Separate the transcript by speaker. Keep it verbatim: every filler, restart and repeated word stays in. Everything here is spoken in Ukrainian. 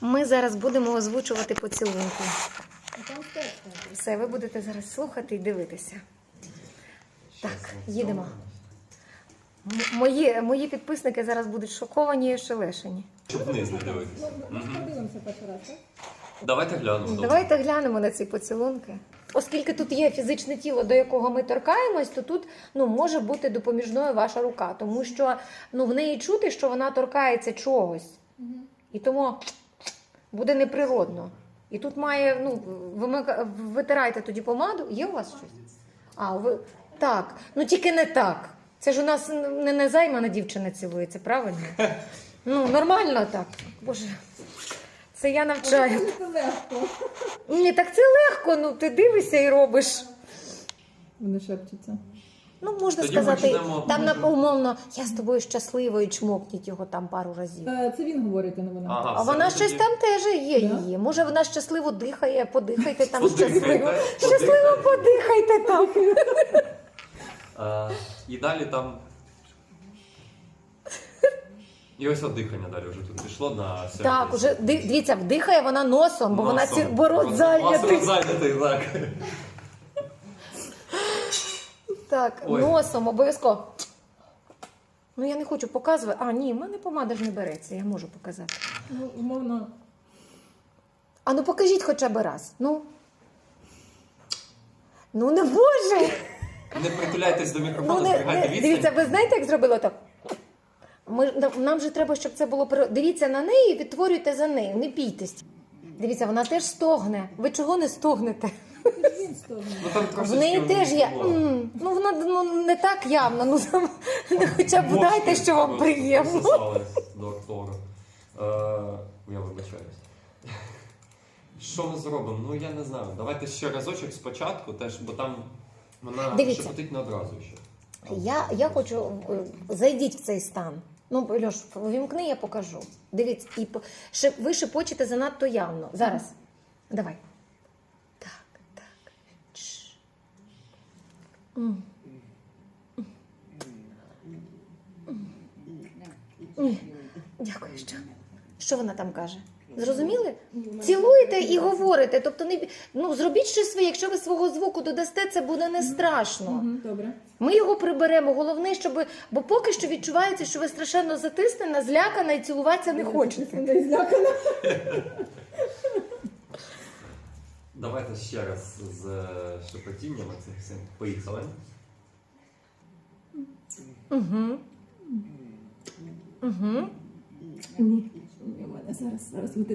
Speaker 1: Ми зараз будемо озвучувати поцілунки. Все, ви будете зараз слухати і дивитися. Так, їдемо. М- Мої, мої підписники зараз будуть шоковані і ошелешені.
Speaker 2: Щоб вниз не дивитися.
Speaker 3: Ми подивимося перший раз, так?
Speaker 2: Давайте глянемо. добре.
Speaker 1: Давайте глянемо на ці поцілунки. Оскільки тут є фізичне тіло, до якого ми торкаємось, то тут ну, може бути допоміжною ваша рука. Тому що ну, в неї чути, що вона торкається чогось. І тому буде неприродно. І тут має, ну, вимика... витирайте тоді помаду. Є у вас щось? А, ви... Так, ну тільки не так. Це ж у нас не незаймана дівчина цілується, правильно? Ну, нормально так. Боже, це я навчаю.
Speaker 3: Це легко.
Speaker 1: Ні, так це легко, ну ти дивишся і робиш.
Speaker 3: Вони шепчуться.
Speaker 1: Ну, можна
Speaker 2: Тоді
Speaker 1: сказати,
Speaker 2: почнемо.
Speaker 1: там на умовно, я з тобою щаслива і чмокніть його там пару разів.
Speaker 3: Е, Це він говорить, а не вона.
Speaker 2: Ага,
Speaker 1: А
Speaker 2: все,
Speaker 1: вона
Speaker 2: тоді
Speaker 1: щось там теж є
Speaker 3: Да?
Speaker 1: її. Може вона щасливо дихає, подихайте там
Speaker 2: Подихайте,
Speaker 1: щасливо.
Speaker 2: подихайте.
Speaker 1: Щасливо подихайте там.
Speaker 2: А, і далі там. І ось от дихання далі вже тут пішло на сервіс.
Speaker 1: Так, уже ди- дивіться, вдихає вона носом, бо вона
Speaker 2: Носом.
Speaker 1: ці борот
Speaker 2: Носом
Speaker 1: зайнятий.
Speaker 2: зайнятий, так.
Speaker 1: Так,
Speaker 2: Ой.
Speaker 1: носом обов'язково. Ну я не хочу показувати. А, ні, в мене помада ж не береться, я можу показати.
Speaker 3: Ну, умовно.
Speaker 1: А ну покажіть хоча б раз. Ну. Ну не може.
Speaker 2: Не притуляйтесь до
Speaker 1: Ну,
Speaker 2: мікрофону,
Speaker 1: не,
Speaker 2: зберігайте
Speaker 1: не,
Speaker 2: відстань.
Speaker 1: дивіться, ви знаєте, як зробила так? Ми, нам же треба, щоб це було... при- Дивіться на неї і відтворюйте за нею, не бійтесь. Дивіться, вона теж стогне. Ви чого не стогнете?
Speaker 3: Він стогне.
Speaker 2: Ну, там
Speaker 1: В
Speaker 2: трошечки
Speaker 1: неї теж є...
Speaker 2: було.
Speaker 1: м, Ну, вона ну, не так явно. Ну, там, ну, хоча б
Speaker 2: Мошки
Speaker 1: дайте, що вам
Speaker 2: просто
Speaker 1: приємно.
Speaker 2: присосались до актора. Е, Я вибачаюсь. Що ми зробимо? Ну я не знаю. Давайте ще разочок спочатку, теж, бо там вона
Speaker 1: Дивіться.
Speaker 2: шепотить не одразу ще.
Speaker 1: Я, я хочу... е, Зайдіть в цей стан. Ну, Льош, вімкни, я покажу. Дивіться, і по- шеп- ви шепочете занадто явно. Зараз. Давай. Так, так. Чш. М. М. Дякую, що? Що вона там каже? Зрозуміли? Цілуєте і говорите. Тобто, не... ну, зробіть щось своє. Якщо ви свого звуку додасте, це буде не страшно.
Speaker 3: Мгм, Добре.
Speaker 1: Ми його приберемо. Головне, щоб... Бо поки що відчувається, що ви страшенно затиснена, злякана і цілуватися не хочете.
Speaker 3: Не злякана.
Speaker 2: Давайте ще раз з е, шепотінням цих всім. Поїхали.
Speaker 1: Угу. Угу.
Speaker 3: Ні. У мене зараз, зараз